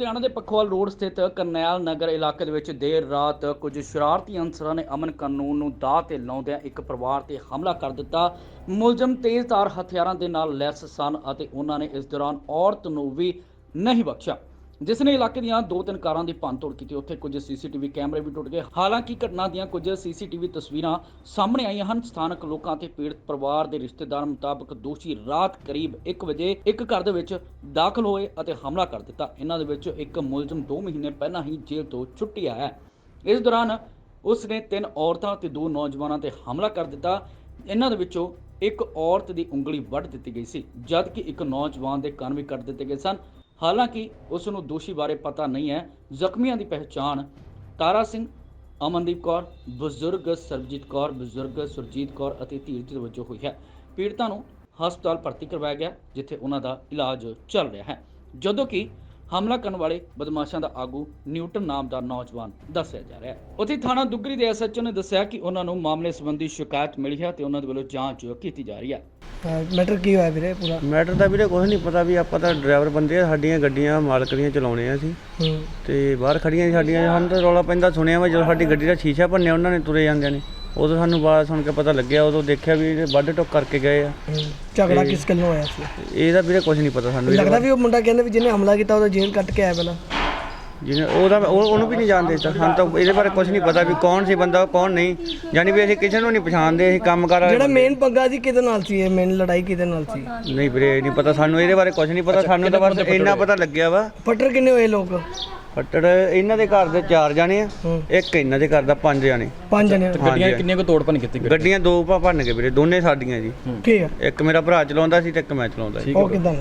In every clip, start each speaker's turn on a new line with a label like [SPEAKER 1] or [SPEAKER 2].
[SPEAKER 1] ਲੁਧਿਆਣਾ ਦੇ ਪਖਵਾਲ ਰੋਡ ਸਥਿਤ ਕਰਨੈਲ ਨਗਰ ਇਲਾਕੇ ਦੇ ਵਿੱਚ ਦੇਰ ਰਾਤ ਕੁਝ ਸ਼ਰਾਰਤੀ ਅਨਸਰਾਂ ਨੇ ਅਮਨ ਕਾਨੂੰਨ ਨੂੰ ਦਾਅ ਤੇ ਲਾਉਂਦਿਆਂ ਇੱਕ ਪਰਿਵਾਰ ਤੇ ਹਮਲਾ ਕਰ ਦਿੱਤਾ। ਮੁਲਜ਼ਮ ਤੇਜ਼ਧਾਰ ਹਥਿਆਰਾਂ ਦੇ ਨਾਲ ਲੈਸ ਸਨ ਅਤੇ ਉਹਨਾਂ ਨੇ ਇਸ ਦੌਰਾਨ ਔਰਤ ਨੂੰ ਵੀ ਨਹੀਂ ਬਖਸ਼ਿਆ, ਜਿਸ ਨੇ ਇਲਾਕੇ ਦੀਆਂ 2-3 ਕਾਰਾਂ ਦੀ ਭੰਨਤੋੜ ਕੀਤੀ। ਉੱਥੇ ਕੁਝ ਸੀਸੀਟੀਵੀ ਕੈਮਰੇ ਵੀ ਟੁੱਟ ਗਏ। ਹਾਲਾਂਕਿ ਘਟਨਾ ਦੀਆਂ ਕੁਝ ਸੀਸੀਟੀਵੀ ਤਸਵੀਰਾਂ ਸਾਹਮਣੇ ਆਈਆਂ ਹਨ। ਸਥਾਨਕ ਲੋਕਾਂ ਤੇ ਪੀੜਤ ਪਰਿਵਾਰ ਦੇ ਰਿਸ਼ਤੇਦਾਰਾਂ ਮੁਤਾਬਕ ਦੋਸ਼ੀ ਰਾਤ ਕਰੀਬ 1 ਵਜੇ ਇੱਕ ਘਰ ਦੇ ਵਿੱਚ ਦਾਖਲ ਹੋਏ ਅਤੇ ਹਮਲਾ ਕਰ ਦਿੱਤਾ। ਇਹਨਾਂ ਦੇ ਵਿੱਚ ਇੱਕ ਮੁਲਜ਼ਮ 2 ਮਹੀਨੇ ਪਹਿਲਾਂ ਹੀ ਜੇਲ੍ਹ ਤੋਂ ਛੁੱਟੀ ਆਇਆ ਹੈ। ਇਸ ਦੌਰਾਨ ਉਸ ਨੇ 3 ਔਰਤਾਂ ਤੇ 2 ਨੌਜਵਾਨਾਂ ਤੇ ਹਮਲਾ ਕਰ ਦਿੱਤਾ। ਇਹਨਾਂ ਦੇ ਵਿੱਚੋਂ ਇੱਕ ਔਰਤ ਦੀ ਉਂਗਲੀ ਵੱਢ ਦਿੱਤੀ ਗਈ ਸੀ, ਜਦਕਿ ਇੱਕ ਨੌਜਵਾਨ ਦੇ ਕੰਨ ਵੀ ਕੱਟ ਦਿੱਤੇ ਗਏ ਸਨ। ਹਾਲਾਂਕਿ ਉਸ ਨੂੰ ਦੋਸ਼ੀ ਬਾਰੇ ਪਤਾ ਨਹੀਂ ਹੈ। ਜ਼ਖਮੀਆਂ ਦੀ ਪਹਿਚਾਣ ਤਾਰਾ ਸਿੰਘ, ਅਮਨਦੀਪ ਕੌਰ, ਬਜ਼ੁਰਗ ਸਰਬਜੀਤ ਕੌਰ, ਬਜ਼ੁਰਗ ਸੁਰਜੀਤ ਕੌਰ ਅਤੇ ਧੀਰਜ ਵਜੋਂ ਹੋਈ ਹੈ। ਪੀੜਤਾਂ ਨੂੰ ਹਸਪਤਾਲ ਭਰਤੀ ਕਰਵਾਇਆ ਗਿਆ, ਜਿੱਥੇ ਉਹਨਾਂ ਦਾ ਇਲਾਜ ਚੱਲ ਰਿਹਾ ਹੈ, ਜਦੋਂ ਕਿ ਹਮਲਾ ਕਰਨ ਵਾਲੇ ਬਦਮਾਸ਼ਾਂ ਦਾ ਆਗੂ ਨਿਊਟਨ ਨਾਮ ਦਾ ਨੌਜਵਾਨ ਦੱਸਿਆ ਜਾ ਰਿਹਾ ਹੈ। ਉੱਥੇ ਥਾਣਾ ਦੁੱਗਰੀ ਦੇ ਐਸਐਚਓ ਨੇ ਦੱਸਿਆ ਕਿ ਉਹਨਾਂ ਨੂੰ ਮਾਮਲੇ ਸੰਬੰਧੀ ਸ਼ਿਕਾਇਤ ਮਿਲੀ ਹੈ ਤੇ ਉਹਨਾਂ ਦੇ ਵੱਲੋਂ ਜਾਂਚ ਕੀਤੀ ਜਾ ਰਹੀ ਹੈ।
[SPEAKER 2] ਮੈਟਰ ਕੀ ਹੋਇਆ ਵੀਰੇ? ਪੂਰਾ
[SPEAKER 3] ਮੈਟਰ ਦਾ ਵੀਰੇ ਕੁਝ ਨਹੀਂ ਪਤਾ ਵੀ ਆਪਾਂ ਤਾਂ ਡਰਾਈਵਰ ਬੰਦੇ ਆ, ਸਾਡੀਆਂ ਗੱਡੀਆਂ ਮਾਲਕ ਦੀਆਂ ਚਲਾਉਣੇ ਆ ਅਸੀਂ ਤੇ ਬਾਹਰ ਖੜੀਆਂ ਸਾਡੀਆਂ। ਸਾਨੂੰ ਤਾਂ ਰੌਲਾ ਪੈਂਦਾ ਸੁਣਿਆ ਵਾ ਜਦੋਂ ਸਾਡੀ ਗੱਡੀ ਦਾ ਸ਼ੀਸ਼ਾ ਭੰਨਿਆ ਉਹਨਾਂ ਨੇ ਤੁਰੇ ਜਾਂਦਿਆਂ ਨੇ, ਉਦੋਂ ਸਾਨੂੰ ਬਾਤ ਸੁਣ ਕੇ ਪਤਾ ਲੱਗਿਆ। ਉਦੋਂ ਦੇਖਿਆ ਵੀ ਇਹ ਵੱਢ ਟੁੱਕ ਕਰਕੇ ਗਏ ਆ।
[SPEAKER 2] ਝਗੜਾ ਕਿਸ ਗੱਲੋਂ ਹੋਇਆ ਸੀ?
[SPEAKER 3] ਇਹਦਾ ਵੀਰੇ ਕੁਝ ਨਹੀਂ ਪਤਾ ਸਾਨੂੰ।
[SPEAKER 2] ਲੱਗਦਾ ਵੀ ਉਹ ਮੁੰਡਾ ਕਹਿੰਦਾ ਵੀ ਜਿਹਨੇ ਹਮਲਾ ਕੀਤਾ ਉਹਦਾ ਜੇਲ੍ਹ ਕੱਟ ਕੇ ਆਇਆ ਪਹਿਲਾਂ।
[SPEAKER 3] ਜਿਹਨੇ ਉਹਨੂੰ ਵੀ ਨਹੀਂ ਜਾਣਦੇ, ਸਾਨੂੰ ਤਾਂ ਇਹਦੇ ਬਾਰੇ ਕੁਝ ਨਹੀਂ ਪਤਾ ਵੀ ਕੌਣ ਸੀ ਬੰਦਾ ਕੌਣ ਨਹੀਂ। ਯਾਨੀ ਵੀ ਅਸੀਂ ਕਿਸੇ ਨੂੰ ਨਹੀਂ ਪਛਾਣਦੇ। ਅਸੀਂ ਕੰਮ ਕਰ
[SPEAKER 2] ਜਿਹੜਾ ਮੇਨ ਪੰਗਾ ਸੀ ਕਿਹਦੇ ਨਾਲ ਸੀ? ਇਹ ਮੇਨ ਲੜਾਈ ਕਿਹਦੇ ਨਾਲ ਸੀ?
[SPEAKER 3] ਨਹੀਂ ਵੀਰੇ ਨਹੀਂ ਪਤਾ ਸਾਨੂੰ, ਇਹਦੇ ਬਾਰੇ ਕੁਝ ਨਹੀਂ ਪਤਾ ਸਾਨੂੰ। ਤਾਂ ਬਸ ਇੰਨਾ ਪਤਾ ਲੱਗਿਆ ਵਾ।
[SPEAKER 2] ਫੱਟੜ ਕਿੰਨੇ ਹੋਏ ਲੋਕ?
[SPEAKER 3] ਫੱਟੜ ਇਹਨਾਂ ਦੇ ਘਰ ਦੇ 4 ਜਾਣੇ ਆ, ਇੱਕ ਇਹਨਾਂ ਦੇ ਘਰ ਦਾ 5 ਜਾਣੇ।
[SPEAKER 2] 5 ਜਣੇ।
[SPEAKER 1] ਗੱਡੀਆਂ ਕਿੰਨੀਆਂ ਕੋ ਤੋੜ ਭੰਨ ਕੀਤੀ?
[SPEAKER 3] ਗੱਡੀਆਂ 2 ਭੰਨ ਕੇ ਵੀਰੇ, ਦੋਨੇ ਸਾਡੀਆਂ ਜੀ।
[SPEAKER 2] ਠੀਕ ਹੈ।
[SPEAKER 3] ਇੱਕ ਮੇਰਾ ਭਰਾ ਚਲਾਉਂਦਾ ਸੀ ਤੇ ਇੱਕ ਮੈਂ ਚਲਾਉਂਦਾ ਸੀ।
[SPEAKER 2] ਉਹ ਕਿਦਾਂ?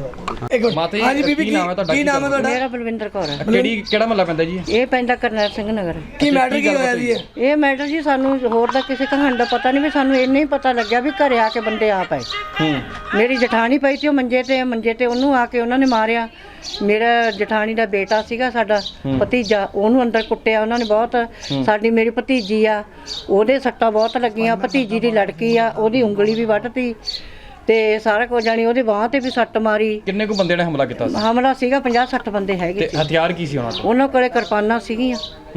[SPEAKER 2] ਹਾਂਜੀ ਬੀਬੀ, ਕੀ ਨਾਮ ਹੈ ਤੁਹਾਡਾ?
[SPEAKER 4] ਮੇਰਾ ਬਲਵਿੰਦਰ ਕੌਰ ਹੈ।
[SPEAKER 1] ਕਿਹੜਾ ਮਹੱਲਾ ਪੈਂਦਾ ਜੀ?
[SPEAKER 4] ਇਹ ਪੈਂਦਾ ਕਰਨੈਲ ਸਿੰਘ ਨਗਰ।
[SPEAKER 2] ਕੀ ਮੈਟਰ ਕੀ ਹੋਇਆ ਜੀ?
[SPEAKER 4] ਇਹ ਮੈਟਰ ਜੀ ਸਾਨੂੰ ਹੋਰ ਦਾ ਕਿਸੇ ਕਹਾਣੀ ਦਾ ਪਤਾ ਨਹੀਂ, ਵੀ ਸਾਨੂੰ ਇੰਨਾ ਹੀ ਪਤਾ ਲੱਗਿਆ ਵੀ ਘਰੇ ਆ ਕੇ ਬੰਦੇ ਆ ਪਏ। ਮੇਰੀ ਜਠਾਣੀ ਪਈ ਸੀ ਉਹ ਮੰਜੇ ਤੇ ਉਹਨੂੰ ਆ ਕੇ ਉਹਨਾਂ ਨੇ ਮਾਰਿਆ। ਮੇਰਾ ਜਠਾਣੀ ਦਾ ਬੇਟਾ ਸੀਗਾ, ਸਾਡਾ ਭਤੀਜਾ, ਉਹਨੂੰ ਅੰਦਰ ਕੁੱਟਿਆ ਉਹਨਾਂ ਨੇ ਬਹੁਤ। ਮੇਰੀ ਭਤੀਜੀ ਆ, ਉਹਦੇ ਸੱਟਾਂ ਬਹੁਤ ਲੱਗੀਆਂ। ਭਤੀਜੀ ਦੀ ਲੜਕੀ ਆ, ਉਹਦੀ ਉਂਗਲੀ ਵੀ ਵੱਢਤੀ ਤੇ ਸਾਰਾ ਕੁਝ ਜਾਣੀ ਉਹਦੇ ਬਾਂਹ ਤੇ ਵੀ ਸੱਟ ਮਾਰੀ।
[SPEAKER 1] ਕਿੰਨੇ ਕੁ ਬੰਦੇ ਨੇ ਹਮਲਾ ਕੀਤਾ ਸੀ?
[SPEAKER 4] ਹਮਲਾ ਸੀਗਾ 50-60 ਬੰਦੇ ਹੈਗੇ ਸੀ।
[SPEAKER 1] ਹਥਿਆਰ ਕੀ ਸੀ ਉਹਨਾਂ ਕੋਲ?
[SPEAKER 4] ਉਹਨਾਂ ਕੋਲੇ ਕਿਰਪਾਨਾਂ ਸੀਗੀਆਂ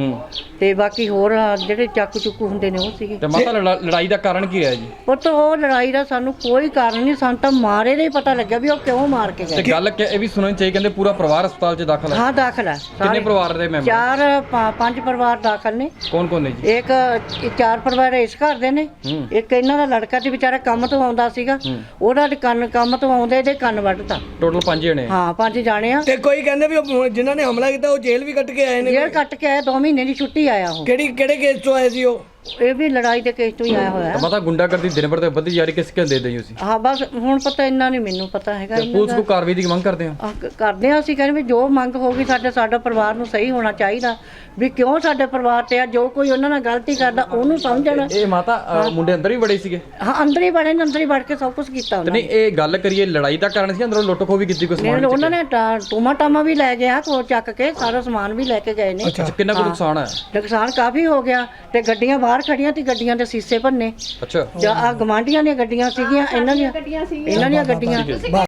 [SPEAKER 4] ਤੇ ਬਾਕੀ ਹੋਰ ਜਿਹੜੇ ਚਾਕੂ ਚੁੱਕੂ ਹੁੰਦੇ ਨੇ ਉਹ ਸੀਗੇ।
[SPEAKER 1] ਤੇ ਮਾਤਾ ਲੜਾਈ ਦਾ ਕਾਰਨ ਕੀ ਰਿਹਾ ਜੀ?
[SPEAKER 4] ਪੁੱਤ ਉਹ ਲੜਾਈ ਦਾ ਸਾਨੂੰ ਕੋਈ ਕਾਰਨ ਨਹੀਂ, ਸਾਨੂੰ ਤਾਂ ਮਾਰੇ ਦਾ ਹੀ ਪਤਾ ਲੱਗਿਆ ਵੀ ਉਹ ਕਿਉਂ ਮਾਰ ਕੇ ਗਏ।
[SPEAKER 1] ਤੇ ਗੱਲ ਇਹ ਵੀ ਸੁਣਨੀ ਚਾਹੀਏ, ਕਹਿੰਦੇ ਪੂਰਾ ਪਰਿਵਾਰ ਹਸਪਤਾਲ 'ਚ ਦਾਖਲ ਹੈ।
[SPEAKER 4] ਹਾਂ ਦਾਖਲ ਹੈ।
[SPEAKER 1] ਕਿੰਨੇ ਪਰਿਵਾਰ ਦੇ ਮੈਂਬਰ?
[SPEAKER 4] 5 ਪਰਿਵਾਰ ਦਾਖਲ ਨੇ।
[SPEAKER 1] ਕੌਣ ਕੌਣ ਨੇ ਜੀ?
[SPEAKER 4] ਇੱਕ 4 ਪਰਿਵਾਰ ਇਸ ਘਰ ਦੇ ਨੇ, ਇੱਕ ਇਹਨਾਂ ਦਾ ਲੜਕਾ ਤੇ ਵਿਚਾਰਾ ਕੰਮ ਤੋਂ ਆਉਂਦਾ ਸੀਗਾ, ਉਹਦਾ ਕੰਮ ਤੋਂ ਆਉਂਦੇ ਇਹਦੇ ਕੰਨ ਵੱਢਤਾ।
[SPEAKER 1] ਟੋਟਲ 5 ਜਣੇ?
[SPEAKER 4] ਹਾਂ 5 ਜਾਣੇ ਆ।
[SPEAKER 2] ਤੇ ਕੋਈ ਕਹਿੰਦੇ ਵੀ ਉਹ ਜਿਨ੍ਹਾਂ ਨੇ ਹਮਲਾ ਕੀਤਾ ਉਹ ਜੇਲ੍ਹ ਵੀ ਕੱਟ ਕੇ ਆਏ ਨੇ।
[SPEAKER 4] ਜੇਲ੍ਹ ਕੱਟ ਕੇ ਆਇਆ, 2 ਮਹੀਨੇ ਦੀ ਛੁੱਟੀ ਆਇਆ ਉਹ।
[SPEAKER 2] ਕਿਹੜੇ ਕੇਸ ਤੋਂ ਆਏ ਸੀ ਉਹ?
[SPEAKER 4] ਇਹ ਵੀ ਲੜਾਈ ਦੇ ਕੇਸ ਤੋਂ ਹੀ ਆਇਆ ਹੋਇਆ।
[SPEAKER 1] ਪਤਾ ਗੁੰਡਾਗਰਦੀ ਦਿਨ ਭਰ ਤੇ ਵੱਧਦੀ ਜਾ ਰਹੀ, ਕਿਸ ਦੇ ਦਈ ਤੁਸੀਂ?
[SPEAKER 4] ਹਾਂ ਬਸ ਹੁਣ ਪਤਾ ਇੰਨਾ ਨਹੀਂ ਮੈਨੂੰ ਪਤਾ ਹੈਗਾ।
[SPEAKER 1] ਪੁਲਿਸ ਕੋ ਕਾਰਵਾਈ ਦੀ ਮੰਗ ਕਰਦੇ ਆ?
[SPEAKER 4] ਕਰਦੇ ਆ ਅਸੀਂ, ਕਹਿੰਦੇ ਵੀ ਜੋ ਮੰਗ ਹੋਗੀ ਸਾਡਾ ਪਰਿਵਾਰ ਨੂੰ ਸਹੀ ਹੋਣਾ ਚਾਹੀਦਾ, ਵੀ ਕਿਉਂ ਸਾਡੇ ਪਰਿਵਾਰ ਤੇ ਆ ਜੋ ਕੋਈ ਉਹਨਾਂ ਨਾਲ ਗਲਤੀ ਕਰਦਾ ਉਹਨੂੰ ਸਮਝਣ।
[SPEAKER 1] ਇਹ ਮਾਤਾ ਮੁੰਡੇ ਅੰਦਰ ਹੀ ਬੜੇ ਸੀਗੇ?
[SPEAKER 4] ਹਾਂ ਅੰਦਰ ਹੀ ਬੜੇ ਨੇ, ਅੰਦਰ ਹੀ ਵੜ ਕੇ ਸਭ ਕੁਝ ਕੀਤਾ ਉਹਨਾਂ ਨੇ।
[SPEAKER 1] ਨਹੀਂ ਇਹ ਗੱਲ ਕਰੀਏ ਲੜਾਈ ਦਾ ਕਾਰਨ ਸੀ, ਅੰਦਰੋਂ ਲੁੱਟ ਖੋਹ ਵੀ ਕੀਤੀ? ਕੁਝ ਸਮਾਨ
[SPEAKER 4] ਉਹਨਾਂ ਨੇ ਟੂਮਾ ਟਾਮਾ ਵੀ ਲੈ ਗਿਆ, ਕੋ ਚੱਕ ਕੇ ਸਾਰਾ ਸਮਾਨ ਵੀ ਲੈ ਕੇ ਗਏ ਨੇ।
[SPEAKER 1] ਅੱਛਾ ਕਿੰਨਾ ਕੁ ਨੁਕਸਾਨ ਹੈ?
[SPEAKER 4] ਨੁਕਸਾਨ ਕਾਫੀ ਹੋ ਗਿਆ ਤੇ ਗੱਡੀਆਂ ਬਾਹਰ ਖੜੀਆਂ ਤੇ ਗੱਡੀਆਂ ਦੇ ਸੀਸੇ ਭੰਨੇ।
[SPEAKER 1] ਅੱਛਾ
[SPEAKER 4] ਜਾਂ ਆ ਗਵਾਂਢੀਆਂ ਦੀਆਂ ਗੱਡੀਆਂ ਸੀਗੀਆਂ, ਇਹਨਾਂ ਦੀਆਂ ਗੱਡੀਆਂ।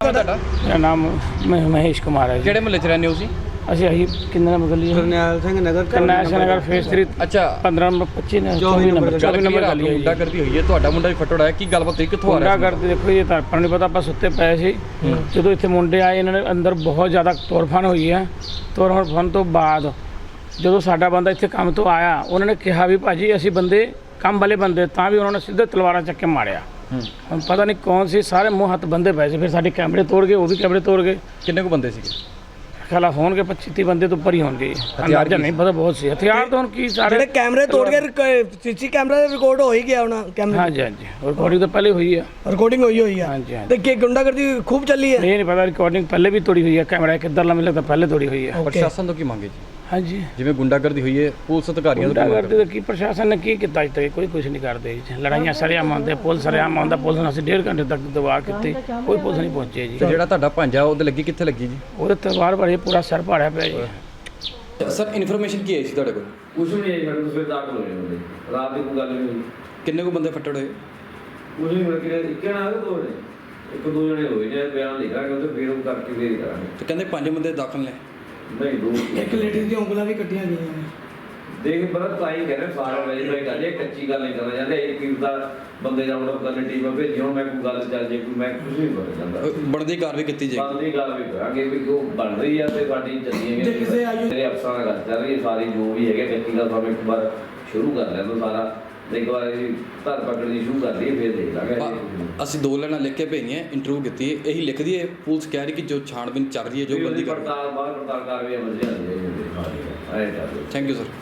[SPEAKER 5] ਮੇਰਾ ਨਾਮ ਮਹੇਸ਼ ਕੁਮਾਰ ਹੈ ਜੀ।
[SPEAKER 1] ਕਿਹੜੇ ਮਹੱਲੇ 'ਚ ਰਹਿੰਦੇ ਹੋ ਤੁਸੀਂ?
[SPEAKER 5] ਅਸੀਂ ਕਿੰਨੇ ਨੰਬਰ ਗਲੀ?
[SPEAKER 3] ਕਰਨੈਲ ਸਿੰਘ ਨਗਰ।
[SPEAKER 5] ਕਰਨੈਲ ਸਿੰਘ ਨਗਰ ਫੇਸ 3।
[SPEAKER 1] ਅੱਛਾ
[SPEAKER 5] 15 ਨੰਬਰ 25 ਨੇ 24 ਨੰਬਰ ਗਲੀ ਹੈ।
[SPEAKER 1] ਮੁੰਡਾ ਕਰਦੀ ਹੋਈ ਹੈ, ਤੁਹਾਡਾ ਮੁੰਡਾ ਵੀ ਫਟੜ ਹੈ, ਕੀ ਗੱਲਬਾਤ ਹੋਈ, ਕਿੱਥੋਂ ਆ ਰਿਹਾ ਸੀ?
[SPEAKER 5] ਕਰਦੇ ਦੇਖੋ ਇਹ ਤਾਂ ਆਪਾਂ ਨੂੰ ਪਤਾ, ਆਪਾਂ ਸੁੱਤੇ ਪਏ ਸੀ ਜਦੋਂ ਇੱਥੇ ਮੁੰਡੇ ਆਏ। ਇਹਨਾਂ ਨੇ ਅੰਦਰ ਬਹੁਤ ਜ਼ਿਆਦਾ ਤੋੜਫਾਨ ਹੋਈ ਹੈ। ਤੋੜਫਾਨ ਤੋਂ ਬਾਅਦ ਜਦੋਂ ਸਾਡਾ ਬੰਦਾ ਇੱਥੇ ਕੰਮ ਤੋਂ ਆਇਆ, ਉਹਨਾਂ ਨੇ ਕਿਹਾ ਵੀ ਭਾਜੀ ਅਸੀਂ ਬੰਦੇ ਕੰਮ ਵਾਲੇ ਬੰਦੇ, ਤਾਂ ਵੀ ਉਹਨਾਂ ਨੇ ਸਿੱਧੇ ਤਲਵਾਰਾਂ ਚੱਕ ਕੇ ਮਾਰਿਆ। ਹੁਣ ਪਤਾ ਨਹੀਂ ਕੌਣ ਸੀ, ਸਾਰੇ ਮੂੰਹ ਹੱਥ ਬੰਦੇ ਪਏ ਸੀ। ਫਿਰ ਸਾਡੇ ਕੈਮਰੇ ਤੋੜ ਗਏ, ਉਹ ਵੀ ਕੈਮਰੇ ਤੋੜ ਗਏ।
[SPEAKER 1] ਕਿੰਨੇ ਕੁ ਬੰਦੇ ਸੀਗੇ?
[SPEAKER 5] ਖਿਲਾਫ ਹੋਣਗੇ 25-30 ਬੰਦੇ ਤੋਂ ਉੱਪਰ ਹੀ ਹੋਣਗੇ। ਅੰਦਾਜ਼ਾ ਨਹੀਂ ਪਤਾ, ਬਹੁਤ ਸੀ ਹਥਿਆਰ। ਤਾਂ ਹੁਣ ਕੀ ਸਾਰੇ
[SPEAKER 2] ਜਿਹੜੇ ਕੈਮਰੇ ਤੋੜ ਕੇ ਸੀਸੀ ਕੈਮਰਾ ਦਾ ਰਿਕਾਰਡ ਹੋ ਹੀ ਗਿਆ ਉਹਨਾਂ ਕੈਮਰੇ?
[SPEAKER 5] ਹਾਂਜੀ ਰਿਕਾਰਡਿੰਗ ਤਾਂ ਪਹਿਲੇ ਹੋਈ ਹੈ।
[SPEAKER 2] ਰਿਕਾਰਡਿੰਗ ਹੋਈ ਆ?
[SPEAKER 5] ਹਾਂਜੀ
[SPEAKER 2] ਤੇ ਕੀ ਗੁੰਡਾਗਰਦੀ ਖੂਬ ਚੱਲੀ ਹੈ?
[SPEAKER 5] ਇਹ ਨਹੀਂ ਪਤਾ, ਰਿਕਾਰਡਿੰਗ ਪਹਿਲੇ ਵੀ ਤੋੜੀ ਹੋਈ ਹੈ। ਕੈਮਰਾ ਕਿੱਧਰਲਾ ਮਿਲੇ ਤਾਂ ਪਹਿਲੇ ਤੋੜੀ ਹੋਈ ਹੈ।
[SPEAKER 1] ਪ੍ਰਸ਼ਾਸਨ ਤੋਂ ਕੀ ਮੰਗੇ ਜੀ?
[SPEAKER 5] ਹਾਂਜੀ
[SPEAKER 1] ਜਿਵੇਂ ਗੁੰਡਾਗਰਦੀ ਹੋਈ ਹੈ, ਪੁਲਿਸ ਅਧਿਕਾਰੀਆਂ ਤੋਂ
[SPEAKER 5] ਗੁੰਡਾਗਰਦੀ ਦਾ ਕੀ ਪ੍ਰਸ਼ਾਸਨ ਨੇ ਕੀ ਕੀਤਾ? ਅੱਜ ਤੱਕ ਕੋਈ ਕੁਝ ਨਹੀਂ ਕਰਦੇ ਜੀ। ਲੜਾਈਆਂ ਸਰਿਆਮ ਆਉਂਦੇ, ਪੁਲਿਸ ਸਰਿਆਮ ਆਉਂਦਾ। ਪੁਲਿਸ ਨੇ ਅਸੀਂ 1.5 ਘੰਟੇ ਤੱਕ ਦਬਾਅ ਕੀਤੀ, ਕੋਈ ਪੁਲਿਸ ਨਹੀਂ ਪਹੁੰਚੀ ਜੀ।
[SPEAKER 1] ਤੇ ਜਿਹੜਾ ਤੁਹਾਡਾ ਭਾਂਜਾ ਉਹਦੇ ਲੱਗੀ ਕਿੱਥੇ ਲੱਗੀ ਜੀ?
[SPEAKER 5] ਉਹਦੇ ਤਲਵਾਰ ਭਰੇ, ਪੂਰਾ ਸਿਰ ਪਾੜਿਆ ਪਿਆ ਜੀ।
[SPEAKER 1] ਸਰ ਇਨਫੋਰਮੇਸ਼ਨ ਕੀ ਆਈ ਸੀ ਤੁਹਾਡੇ ਕੋਲ?
[SPEAKER 6] ਕੁਛ ਵੀ ਨਹੀਂ ਆਈ ਸਾਡੇ ਤੋਂ, ਫਿਰ ਦਾਖਲ ਹੋਏ ਬੰਦੇ। ਰਾਤ ਦੀ ਕੋਈ ਗੱਲ ਨਹੀਂ ਹੋਈ।
[SPEAKER 1] ਕਿੰਨੇ ਕੁ ਬੰਦੇ ਫੱਟੜ ਹੋਏ?
[SPEAKER 6] ਕੁਛ ਨਹੀਂ ਮਿਲ ਕੇ ਇੱਕ ਜਣਾ ਆ ਕੇ 2 ਨੇ, 1-2 ਜਣੇ ਹੋਏ ਨੇ। ਬਿਆਨ ਲਿਖਾ ਕੇ ਉਹਦੇ ਫਿਰ ਉਹ ਕਰਕੇ ਫੇਰ ਕਰਾਂਗੇ।
[SPEAKER 1] ਤੇ ਕਹਿੰਦੇ 5 ਬੰਦੇ ਦਾਖਲ ਨੇ।
[SPEAKER 6] ਨਹੀਂ ਦੋ
[SPEAKER 2] ਇੱਕ ਲੇਡੀ ਦੀਆਂ ਉਂਗਲਾਂ ਵੀ ਕੱਟੀਆਂ ਗਈਆਂ ਨੇ।
[SPEAKER 6] ਦੇਖ ਬਰਤ ਤਾਈ ਕਹਿੰਦੇ ਸਾਰਾ ਵੈਰੀਫਾਈ ਕਰ ਲਿਆ, ਕੱਚੀ ਗੱਲ ਨਹੀਂ ਕਰਨਾ ਚਾਹੁੰਦੇ। ਇਹ ਕੀ ਦਾ ਬੰਦੇ ਦਾ ਆਰਡਰ ਕਰਨ ਟੀਮ ਭੇਜੀ, ਹੁਣ ਮੈਂ ਕੋਈ ਗੱਲ ਚੱਲ ਜੇ ਕੋਈ ਮੈਂ ਕੁਝ ਨਹੀਂ ਕਰ ਜਾਂਦਾ।
[SPEAKER 7] ਬਣਦੀ ਕਾਰਵਾਈ ਕੀਤੀ ਜਾਏਗੀ।
[SPEAKER 6] ਬਣਦੀ ਗੱਲ ਵੀ ਕਰਾਂਗੇ ਵੀ ਉਹ ਬਣ ਰਹੀ ਆ ਤੇ ਸਾਡੀ ਚੱਲੀ
[SPEAKER 2] ਜੇ ਕਿਸੇ ਆਯੂ
[SPEAKER 6] ਮੇਰੇ ਅਫਸਰਾਂ ਨਾਲ ਗੱਲ ਚੱਲ ਰਹੀ ਹੈ ਸਾਰੀ, ਜੋ ਵੀ ਹੈਗੇ ਕੱਚੀ ਗੱਲ ਸਾਨੂੰ ਇੱਕ ਵਾਰ ਸ਼ੁਰੂ ਕਰ ਲੈਣ ਦਿਓ ਸਾਰਾ। ਇੱਕ ਵਾਰ ਇਹ ਧਰ ਪਕੜਨੀ ਸ਼ੁਰੂ ਕਰ ਲਈਏ ਫਿਰ ਦੇਖ ਲਾਂਗੇ।
[SPEAKER 7] ਅਸੀਂ 2 ਲਾਈਨਾਂ ਲਿਖ ਕੇ ਭੇਜੀਆਂ, ਇੰਟਰਵਿਊ ਕੀਤੀ, ਇਹੀ ਲਿਖ ਦਈਏ। ਪੁਲਿਸ ਕਹਿ ਰਹੀ ਕਿ ਜੋ ਛਾਣਬੀਨ ਚੱਲ ਰਹੀ ਹੈ, ਜੋ ਬੰਦੀ ਕਰ
[SPEAKER 6] ਪੜਤਾਲ ਬਾਹਰ ਪੜਤਾਲ ਕਰ ਰਹੀ ਹੈ, ਵਧੀਆ ਜੀ।
[SPEAKER 7] Thank you sir.